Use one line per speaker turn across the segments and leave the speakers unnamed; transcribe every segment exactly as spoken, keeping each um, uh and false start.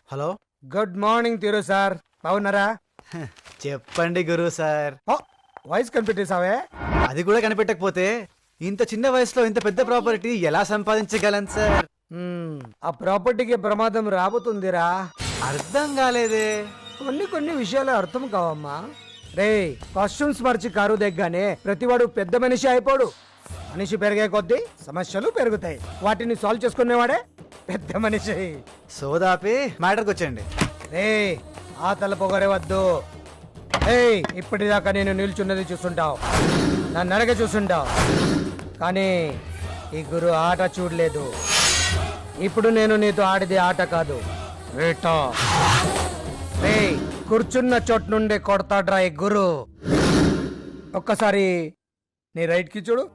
Hello,
good morning Thiru sir, బాగున్నారా?
చెప్పండి గురువు సార్.
వాయిస్ కనిపెట్టేసావే?
అది కూడా కనిపెట్టకపోతే ఇంత చిన్న వయసులో ఇంత పెద్ద ప్రాపర్టీ ఎలా సంపాదించగలను సార్?
మ్మ్, ఆ ప్రాపర్టీకి ప్రమాదం రాబోతుందిరా.
అర్థం కాలేదే.
కొన్ని కొన్ని విషయాలు అర్థం కావమ్మా. రే, కాస్ట్యూమ్స్ మార్చి కారు దిగ్గానే ప్రతివాడు పెద్ద మనిషి అయిపోడు. మనిషి పెరిగే కొద్దీ సమస్యలు పెరుగుతాయి. వాటిని సాల్వ్ చేసుకునేవాడే పెద్ద మనిషి.
సోదాపి మ్యాటర్కి వచ్చండి.
రే, ఆ తల పొగరేవద్దు. ఏయ్, ఇప్పటిదాకా నేను నిల్చున్నది చూస్తుంటావు, నన్ను అడగ చూస్తుంటావు, కానీ ఈ గురు ఆట చూడలేదు. ఇప్పుడు నేను నీతో ఆడిది ఆట కాదు, వేట. రే, కూర్చున్న చోటు నుండి కొడతాడ్రా ఈ గురు. ఒక్కసారి నీ రైట్ కి చూడు.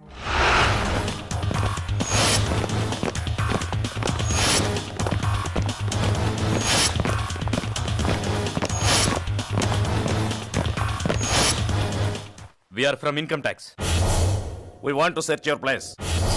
We are from income tax. We want to search your place.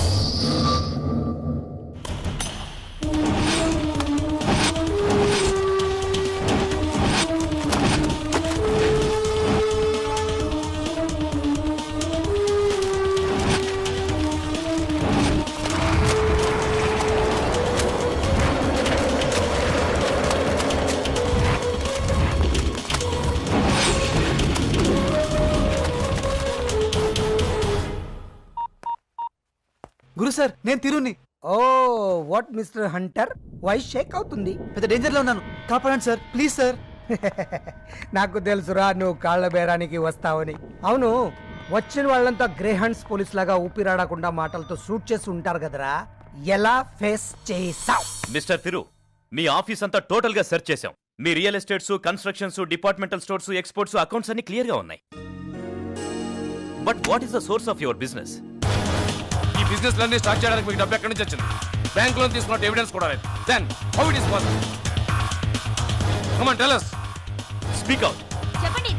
Guru sir, నేను తిరుని.
Oh, what mister hunter, voice shake అవుతుంది.
పెద్ద డేంజర్ లో ఉన్నాను, కాపాడండి సార్, ప్లీజ్ సార్.
నాకు తెలుసురా నువ్వు కాళ్ళ బేరానికి వస్తావని. అవును, వచ్చిన వాళ్ళంతా గ్రేహండ్స్ పోలీస్ లాగా ఊపిరాడకుండా మాటలతో షూట్ చేసి ఉంటారు కదరా, ఎలా ఫేస్ చేసావు?
మిస్టర్ తిరు, మీ ఆఫీస్ అంతా టోటల్ గా సెర్చ్ చేశాం. మీ real estates, constructions, departmental stores, exports, accounts అన్ని క్లియర్ గా ఉన్నాయి. But what is the source of your business?
ఈ బిజినెస్ లన్నీ స్టార్ట్ చేయడానికి మీకు డబ్బు ఎక్కడి నుంచి వచ్చింది? బ్యాంక్ లోన్ తీసుకున్న ఎవిడెన్స్ కూడా లేదు. Then how it is possible? Come on tell us.
Speak out.
చెప్పండి.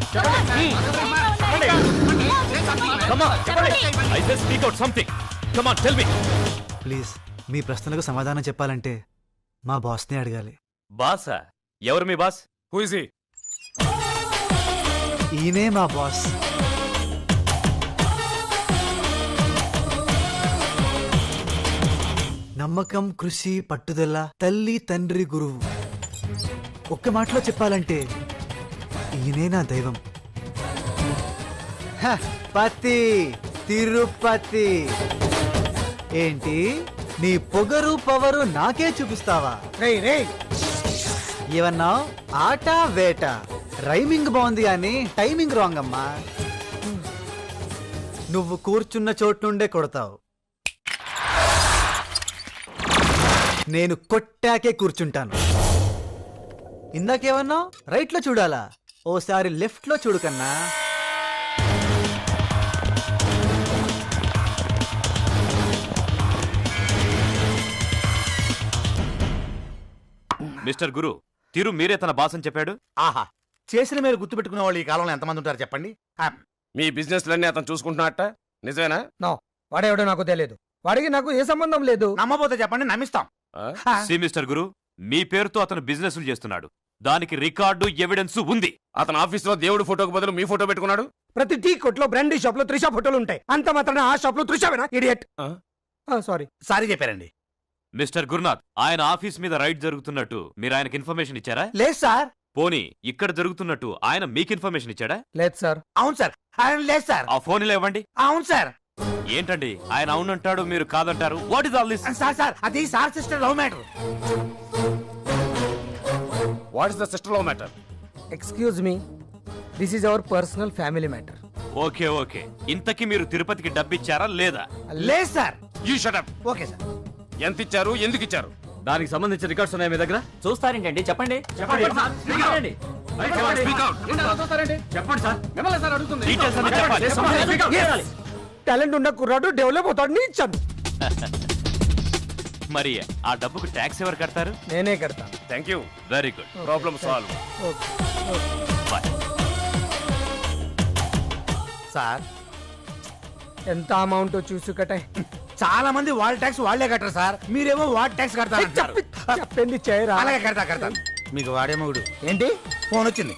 కమ్ ఆన్ చెప్పండి. I say speak out something. Come on tell me.
Please, మీ ప్రశ్నలకు సమాధానం చెప్పాలంటే మా బాస్ని అడగాలి.
బాసా? ఎవరు మీ బాస్?
Who is he?
ఈయనే మా బాస్. నమ్మకం, కృషి, పట్టుదల, తల్లి, తండ్రి, గురువు. ఒక్క మాటలో చెప్పాలంటే ఈయనే నా దైవం. హ, పతి, తిరుపతి. ఏంటి, నీ పొగరు పవరు నాకే చూపిస్తావా?
రే రే,
ఏమన్నా ఆట వేట? రైమింగ్ బాగుంది కానీ టైమింగ్ రాంగ్ అమ్మా. నువ్వు కూర్చున్న చోటు నుండే కొడతావు, నేను కొట్టాకే కూర్చుంటాను. ఇందాకేమన్నా రైట్ లో చూడాలా? ఓసారి లెఫ్ట్ లో చూడు కన్నా.
మిస్టర్ గురు, తిరు మీరే తన బాస్ అని చెప్పాడు.
ఆహా, చేసిన మీరు గుర్తుపెట్టుకునే వాళ్ళు ఈ కాలంలో ఎంతమంది ఉంటారు చెప్పండి?
మీ బిజినెస్ లన్నీ అతను చూసుకుంటున్నట్ట నిజమేనా?
నో, వాడేవాడో నాకు తెలియదు. వాడికి నాకు ఏ సంబంధం లేదు.
నమ్మబోతే చెప్పండి, నమ్మిస్తాం.
సి మిస్టర్ గురు, మీ పేరుతో అతను బిజినెస్ చేస్తున్నాడు, దానికి రికార్డు ఎవిడెన్స్ ఉంది.
అతను ఆఫీస్ లో దేవుడు ఫోటోకి బదులు మీ ఫోటో పెట్టుకున్నాడు.
ప్రతి టీ కొట్లో, బ్రాండీ షాప్ లో త్రిషా ఫోటోలు ఉంటాయి. అంత మాత్రాన ఆ షాప్ లో త్రిషావేనా? ఇడియట్. సారీ
సారీ చెప్పారండి.
మిస్టర్ గురునాథ్, ఆయన ఆఫీస్ మీద రైడ్ జరుగుతున్నట్టు మీరు ఆయనకి ఇన్ఫర్మేషన్ ఇచ్చారా?
లేదు సార్.
పోనీ ఇక్కడ జరుగుతున్నట్టు ఆయన మీకు ఇన్ఫర్మేషన్ ఇచ్చాడా?
లేదు సార్.
అవును సార్. ఆయన లేదు సార్.
ఆ ఫోన్ ఇలా ఇవ్వండి.
అవును సార్.
ఏంటండి, ఆయన అవునంటాడు, మీరు కాదంటారు. What is all this?
Sir sir అది sir sister love matter.
What is the sister love matter?
Excuse me, this is our personal family matter.
Okay okay, ఇంతకీ మీరు తిరుపతికి డబ్బిచ్చారా లేదా?
లేదు sir.
You shut up.
Okay sir.
ఎంత ఇచ్చారు, ఎందుకు ఇచ్చారు?
దానికి సంబంధించిన రికార్డ్స్ ఉన్నాయి మీ దగ్గర?
చూస్తారేంటండి, చెప్పండి.
Speak out.
చెప్పండి సార్.
డీటెయిల్స్ అన్ని చెప్పాలి.
టాలెంట్ ఉన్న కుర్రాడు డెవలప్ అవుతాడు నీ ఇచ్చాను.
మరి ఆ డబ్బుకు ట్యాక్స్ ఎవరు కడతారు?
నేనే కడతా.
Thank you.
Very good,
problem solve.
Bye.
Sir,
ఎంత అమౌంట్ చూసి కట్టాయి?
చాలా మంది వాళ్ళ ట్యాక్స్ వాళ్ళే కట్టరు సార్, మీరేమో వాట్ ట్యాక్స్ కడతారు.
చెప్పింది చేయరా.
అలాగే కడతా కడతా. మీకు వాడేమో గుడు.
ఏంటి
ఫోన్ వచ్చింది.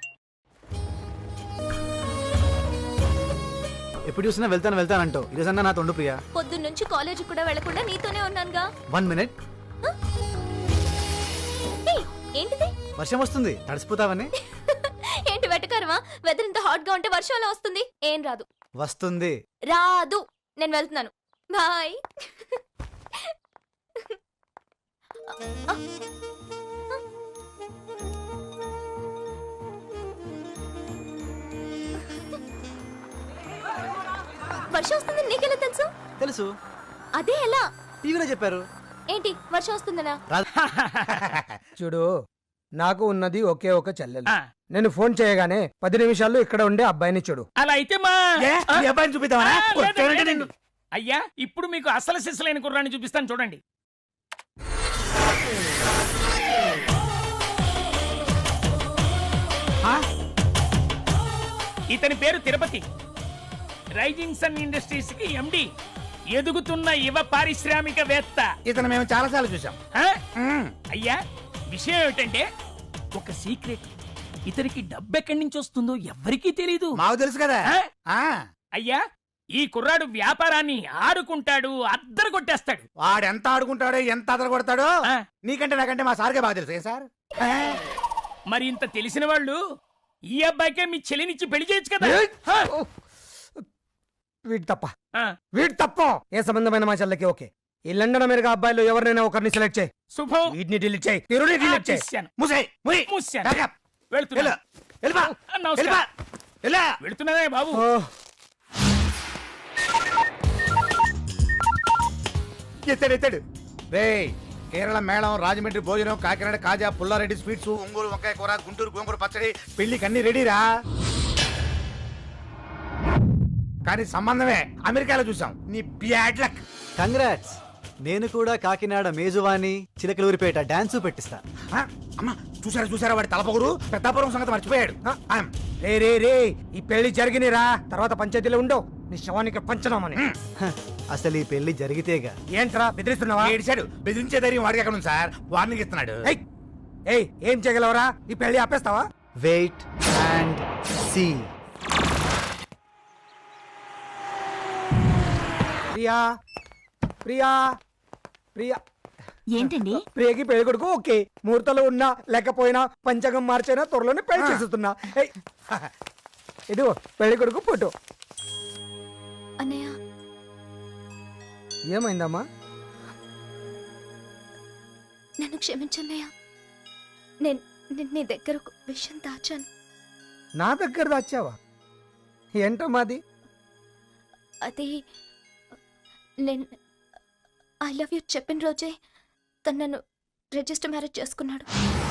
ఎప్పుడు చూసినా వెళ్తాను వెళ్తానంటావు, ఈరోజన్నా నా తొండు ప్రియా.
పొద్దున్న నుంచి కాలేజీ కూడా వెళ్లకుండా నీతోనే ఉన్నానుగా.
One minute.
ఏయ్, ఏంటిది?
వర్షం వస్తుంది, తడిసిపోతావని.
ఏంటి వెటకారమా? వెదర్ ఇంత హాట్ గా ఉంటే వర్షం ఎలా వస్తుంది? ఏం రాదు.
వస్తుంది.
రాదు. నేను వెళ్తున్నాను. బాయ్. వర్షం వస్తుంది నీకెలా తెలుసు?
తెలుసు,
అదే ఎలా?
టీవీలో చెప్పారు.
ఏంటి వర్షం వస్తుందనా?
చూడు, నాకు ఉన్నది ఒకే ఒక చెల్లెలు. నేను ఫోన్ చేయగానే పది నిమిషాల్లో ఇక్కడ ఉండే అబ్బాయిని చూడు.
అలా అయితే మా
ఏ, మీ అబ్బాయిని చూపిద్దామా?
ఆ, లేదు,
కొట్టానంటే
లేదండి.
నిన్ను.
అయ్యా ఇప్పుడు మీకు అసలు సిస్సులైన కుర్రాన్ని చూపిస్తాను చూడండి.
ఆ?
ఇతని పేరు తిరుపతి, రైజింగ్ సన్ ఇండస్ట్రీస్ కి ఎండి, ఎదుగుతున్న యువ పారిశ్రామికవేత్త.
ఇతను మేము చాలా సార్లు చూసాం.
ఆ?
మ్మ్.
అయ్యా విషయం ఏమిటంటే ఒక సీక్రెట్, ఇతనికి డబ్బు ఎక్కడి నుంచి వస్తుందో ఎవ్వరికీ తెలీదు.
మాకు తెలుసు కదా.
ఆ?
ఆ,
అయ్యా ఈ కుర్రాడు వ్యాపారాన్ని ఆడుకుంటాడు, అద్దరు కొట్టేస్తాడు.
వాడు ఎంత ఆడుకుంటాడో ఎంత అదర కొడతాడో
ఆ.
నీకంటే నాకంటే మా సార్కే బాగా తెలుసు. ఏం సార్? ఆ.
మరి ఇంత తెలిసిన వాళ్ళు ఈ అబ్బాయికే మీ చెల్లినిచ్చి పెళ్లి చేయొచ్చు కదా. హ?
వీడు తప్ప
ఆ,
వీడు తప్ప ఏ సంబంధమైన మా చెల్లెకి ఓకే. ఈ లండన్ అమెరికా అబ్బాయిలు ఎవరినైనా ఒకరిని సెలెక్ట్ చేయి.
శుభం.
వీటిని డిలీట్ చేయి, తిరుని
ఆ,
డిలీట్ చేయి.
తీశాను.
మూసేయ్, మూయ్.
మూశాను.
Backup.
వెళ్తున్నా.
వెళ్ళు. వెళ్ళిపో.
ఆ, నమస్కారం.
వెళ్ళిపో. వెళ్ళు.
వెళ్తున్నానే బాబు.
ఓ,
ఎత్తాడు ఎత్తాడు. రేయ్, కేరళ మేళం, రాజమండ్రి భోజనం, కాకినాడ కాజా, పుల్లారెడ్డి స్వీట్స్, ఒంగోలు వంకాయ కూర, గుంటూరు గోంగూర పచ్చడి, పెళ్లికి అన్ని రెడీరా. కానీ సంబంధమే అమెరికాలో చూసాం. నీ బ్యాడ్ లక్.
కంగ్రాట్స్. నేను కూడా కాకినాడ మేజువాణి, చిలకలూరిపేట డాన్సు పెట్టిస్తా.
ఆ, అమ్మా చూసారా చూసారా వాడి తలపొగరు పెద్దాపురం సంగతి మర్చిపోయాడు. ఆ, ఆమ్.
రే రే రే ఈ పెళ్లి జరిగినిరా, తర్వాత పంచాయతీలో ఉండవు. నీ శవానికి పంచనామని.
హ, అసలు ఈ పెళ్లి జరిగితేగా.
ఏంట్రా బెదిరిస్తున్నావా?
ఏడిచాడు. బెదిరించే ధైర్యం వాడికి ఎక్కడ ఉంది సార్? వార్నింగ్ ఇస్తున్నాడు.
ఏయ్, ఏయ్ ఏం చేయగలవరా? ఈ పెళ్లి ఆపేస్తావా?
Wait and see.
Priya Priya Priya
ఏంటండి?
ప్రియకి పెళ్లి కొడుకు ఓకే. ముహూర్తంలో ఉన్నా లేకపోయినా పంచగం మార్చైనా త్వరలోనే పెళ్లి చేస్తున్నా. ఏయ్, ఇదిగో పెళ్లి కొడుకు ఫోటో.
అన్నయ్య,
ఏమైందమ్మా?
నన్ను క్షమించన్నయ్య. నేను నేను నీ దగ్గర ఒక విషయం దాచాను.
నా దగ్గర దాచావా? ఏంటమ్మా అది?
అది నేను ఐ లవ్ యూ చెప్పిన రోజే తను నన్ను రిజిస్టర్ మ్యారేజ్ చేసుకున్నాడు.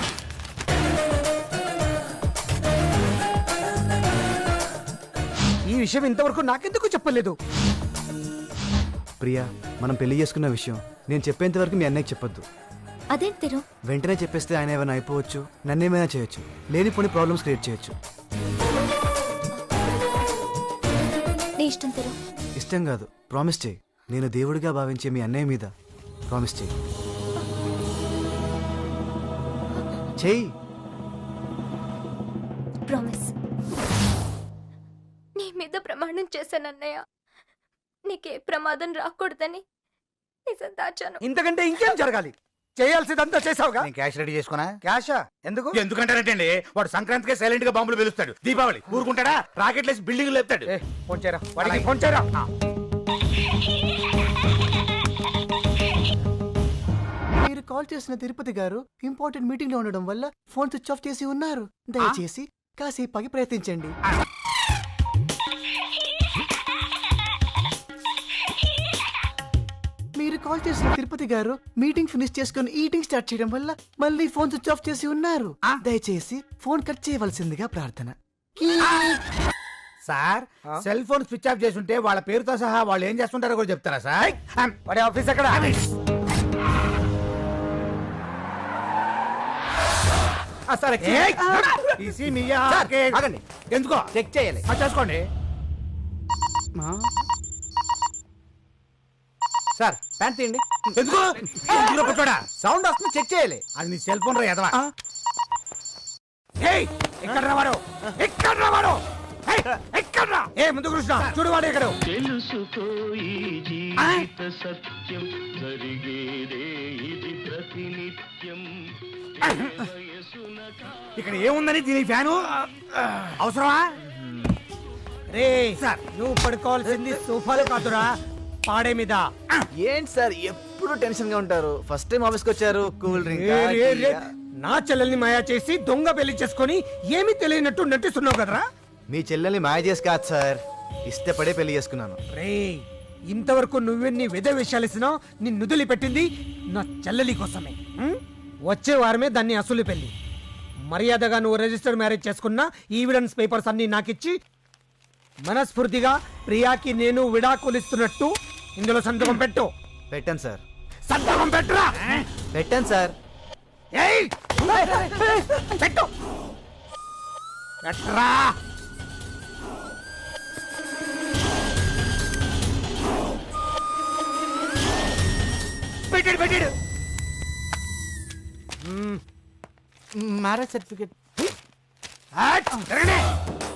ఈ విషయం ఇంతవరకు నాకెందుకు చెప్పలేదు?
ప్రియా, మనం పెళ్లి చేసుకున్న విషయం నేను చెప్పేంత వరకు మీ అన్నయ్యకి చెప్పొద్దు.
అదేంటి తిరు?
వెంటనే చెప్పేస్తే ఆయన ఏమైనా అయిపోవచ్చు, నన్నేమైనా చేయొచ్చు, లేనిపోని ప్రాబ్లమ్స్ క్రియేట్ చేయొచ్చు.
నీ ఇష్టం తిరు.
ఇష్టం కాదు, ప్రామిస్ చేయి. నేను దేవుడిగా భావించే మీ అన్నయ్య మీద ప్రామిస్ చేయి. చెయ్యి.
ప్రామిస్. నీ మీద ప్రమాణం చేశాను అన్నయ్య, నీకే ప్రమాదం రాకూడదని నిజం దాచాను.
ఇంతకంటే ఇంకేం జరగాలి? చేయాల్సిందంతా చేసావుగా.
నేను క్యాష్ రెడీ చేసుకున్నా.
క్యాషా? ఎందుకు?
ఎందుకంటారంటే వాడు సంక్రాంతికే సైలెంట్ గా బాంబులు వెలుస్తాడు. దీపావళి ఊరుకుంటాడా? రాకెట్ లేసి బిల్డింగ్ లేపుతాడు.
ఏ, ఫోన్ చేయరా వాడికి, ఫోన్ చేయరా.
మీరు కాల్ చేసిన తిరుపతి గారు ఇంపార్టెంట్ మీటింగ్ లో ఉండడం వల్ల ఫోన్ స్విచ్ ఆఫ్ చేసి ఉన్నారు. దయచేసి కాసేపకి ప్రయత్నించండి. మీరు కాల్ చేసిన తిరుపతి గారు మీటింగ్ ఫినిష్ చేసుకుని ఈటింగ్ స్టార్ట్ చేయడం వల్ల మళ్ళీ ఫోన్ స్విచ్ ఆఫ్ చేసి ఉన్నారు. దయచేసి ఫోన్ కట్ చేయవలసిందిగా ప్రార్థన.
Sir, cell phone switch off చేస్తుంటే వాళ్ళ పేరుతో సహా వాళ్ళు ఏం చేస్తుంటారో కూడా చెప్తారా సార్?
వాడి ఆఫీస్ ఎక్కడ?
ఎందుకో చెక్ చేయాలి. చేసుకోండి.
సార్ ప్యాంట్ తీయండి.
ఎందుకు ఎందుకు కూర్చోడా
సౌండ్ వస్తుంది చెక్ చేయాలి.
అది నీ సెల్ ఫోన్ రా ఎదవా ఏయ్ ఎక్కడ రా వాడు ఎక్కడ రా వాడు ఏయ్, ఎక్కడ రా ఏ ముందు కృష్ణ చూడు వాడు ఎక్కడ
తెలుసుకో ఈ జీవిత సత్యం జరిగేదే ఇది ప్రతినిత్యం
ఇక్కడ ఏముందని దీని ఫ్యాను అవసరమా
రే సార్ నువ్వు పడుకోవాల్సింది సోఫాలో కాదురా పాడే మీద.
ఏంటి సార్ ఎప్పుడు టెన్షన్ గా ఉంటారు? ఫస్ట్ టైం ఆఫీస్కి వచ్చారు, కూల్ డ్రింక్.
ఏ, రే, రే. నా చెల్లెల్ని మాయా చేసి దొంగ పెళ్లి చేసుకొని ఏమీ తెలియనట్టు నటిస్తున్నావు కదరా.
మీ చెల్లెల్ని మాయ చేసి కాదు సార్, ఇష్టపడే పెళ్లి చేసుకున్నాను.
రే ఇంతవరకు నువ్వెన్ని విధ విషయాలిసినా నిన్ను నుదిలి పెట్టింది నా చెల్లెలి కోసమే. ఉం? వచ్చే వారమే దాన్ని అసలు పెళ్లి. మర్యాదగా నువ్వు రిజిస్టర్ మ్యారేజ్ చేసుకున్న ఈవిడెన్స్ పేపర్స్ అన్ని నాకిచ్చి మనస్ఫూర్తిగా ప్రియాకి నేను విడాకులిస్తున్నట్టు ఇందులో సంతకం పెట్టు.
పెట్టాను సార్.
సంతకం పెట్టురా.
పెట్టాను సార్.
ఏయ్! పెట్టు. పెట్టరా.
పెట్టాడు పెట్టాడు
మ్యారేజ్ సర్టిఫికేట్.
జరగండి